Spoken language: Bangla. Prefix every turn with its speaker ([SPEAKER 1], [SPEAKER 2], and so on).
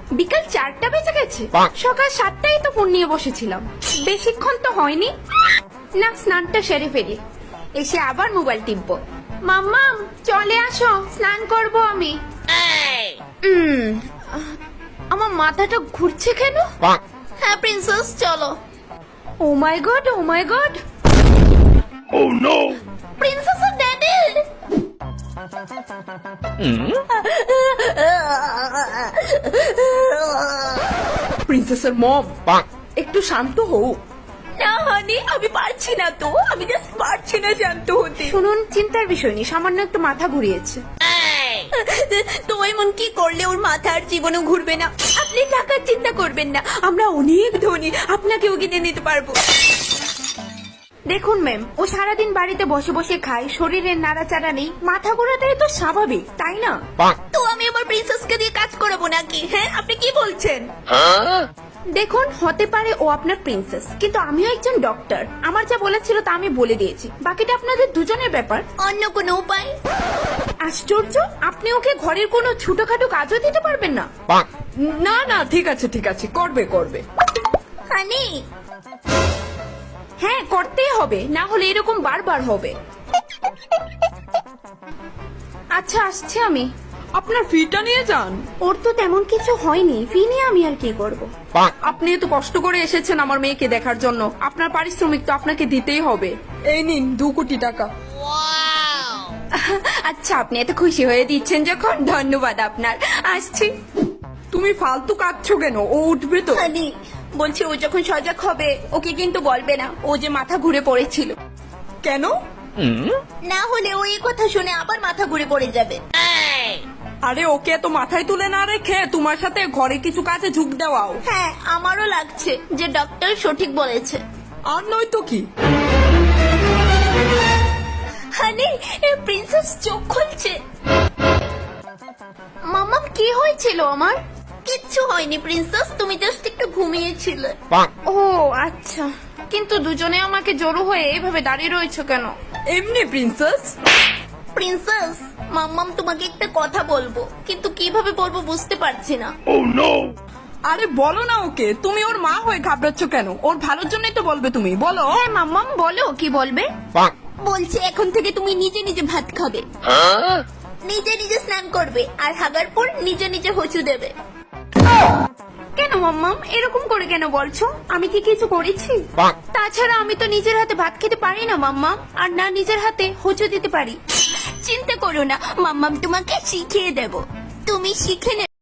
[SPEAKER 1] বিকাল 4টা বেজে গেছে, সকাল 7টায় তো ফোন নিয়ে বসেছিলাম, বেশিক্ষণ তো হয়নি। না, স্নানটা সেরে ফেলি, এসে আবার মোবাইল টিপবো। মাম্মাম চলে আসো, স্নান করব আমি। আমার মাথাটা ঘুরছে কেন? হ্যাঁ প্রিন্সেস চলো। Oh my god, oh my god,
[SPEAKER 2] Oh no!
[SPEAKER 1] প্রিন্সেসের ড্যাডি।
[SPEAKER 3] প্রিন্সেসের মম, একটু শান্ত হও।
[SPEAKER 1] না হানি, আমি পারছি না তো, আমি জাস্ট পারছি না শান্ত হতে। শুনুন, চিন্তার বিষয় নেই, সামান্য একটু মাথা ঘুরিয়েছে। তো এমন কি করলে ওর মাথা আর জীবনও ঘুরবে না? আপনি টাকার চিন্তা করবেন না, আমরা অনেক ধনী, আপনাকেও কিনে নিতে পারবো। দেখুন ম্যাম, ও সারাদিন বাড়িতে বসে বসে খায়, শরীরের নাড়াচাড়া নেই, মাথা ঘোরাটাই তো স্বাভাবিক, তাই না? তো আমি আমার প্রিন্সেসকে দিয়ে কাজ করাবো নাকি? হ্যাঁ, আপনি কি বলছেন? দেখুন, হতে পারে ও আপনার প্রিন্সেস, কিন্তু আমিও একজন ডক্টর, আমার যা বলেছিল তা আমি বলে দিয়েছি, বাকিটা আপনাদের দুজনের ব্যাপার। অন্য কোনো উপায়? আশ্চর্য, আপনি ওকে ঘরের কোনো ছোটখাটো কাজও দিতে পারবেন না?
[SPEAKER 3] না না, ঠিক আছে ঠিক আছে, করবে করবে।
[SPEAKER 1] হানি, হ্যাঁ করতেই হবে, না হলে এরকম বারবার হবে। আচ্ছা আসছি আমি।
[SPEAKER 3] আপনার ফিটা নিয়ে যান।
[SPEAKER 1] ওর তো তেমন কিছু হয়নি, ফি নিয়ে আমি আর কি করব?
[SPEAKER 3] আপনি এত কষ্ট করে এসেছেন আমার মেয়েকে দেখার জন্য, আপনার পারিশ্রমিক তো আপনাকে দিতেই হবে। এই নিন 2 কোটি টাকা।
[SPEAKER 1] আচ্ছা, আপনি এত খুশি হয়ে দিচ্ছেন যখন, ধন্যবাদ আপনার, আসছি।
[SPEAKER 3] তুমি ফালতু কাঁদছো কেন? ও উঠবে তো।
[SPEAKER 1] হানি, বলছি ও যখন সজাগ হবে ওকে কিন্তু বলবে না ও যে মাথা ঘুরে পড়েছিল।
[SPEAKER 3] কেন?
[SPEAKER 1] না হলে ও এই কথা শুনে আবার মাথা ঘুরে পড়ে যাবে।
[SPEAKER 3] আরে ওকে তো মাথায় তুলে না রেখে তোমার সাথে ঘরে কিছু কাজে ঝুঁক দেওয়াও।
[SPEAKER 1] হ্যাঁ, আমারও লাগছে যে ডক্টর সঠিক বলেছে।
[SPEAKER 3] আর নয় তো কি।
[SPEAKER 1] হানি, প্রিন্সেস চোখ খুলছে। মাম্মা, কি হয়েছিল আমার? কিচ্ছু হয়নি প্রিন্সেস, তুমি জাস্ট একটু ঘুমিয়েছিলে। ও আচ্ছা, কিন্তু দুজনে আমাকে জড়ো হয়ে এইভাবে দাঁড়িয়ে রয়েছে কেন?
[SPEAKER 3] এমনি প্রিন্সেস।
[SPEAKER 1] প্রিন্সেস, মাম্মাম তোমাকে একটা কথা বলবো, কিন্তু কিভাবে বলবো বুঝতে পারছি না।
[SPEAKER 2] Oh no!
[SPEAKER 3] আরে বলো না ওকে, তুমি ওর মা হয়ে ঘাবড়াচ্ছ কেন? ওর ভালোর জন্যই তো বলবে, তুমি বলো।
[SPEAKER 1] হ্যাঁ মাম্মাম বলো, কি বলবে? বলছে এখন থেকে তুমি নিজে নিজে ভাত খাবে, নিজে নিজে স্নান করবে, আর হাগার পর নিজে নিজে হচু দেবে। কেন মাম্মাম এরকম করে কেন বলছো? আমি কি কিছু করেছি? তাছাড়া আমি তো নিজের হাতে ভাত খেতে পারি না মাম্মাম, আর না নিজের হাতে হচু দিতে পারি। চিন্তা করো না মাম্মাম, তোমাকে শিখিয়ে দেব, তুমি শিখে নেবে।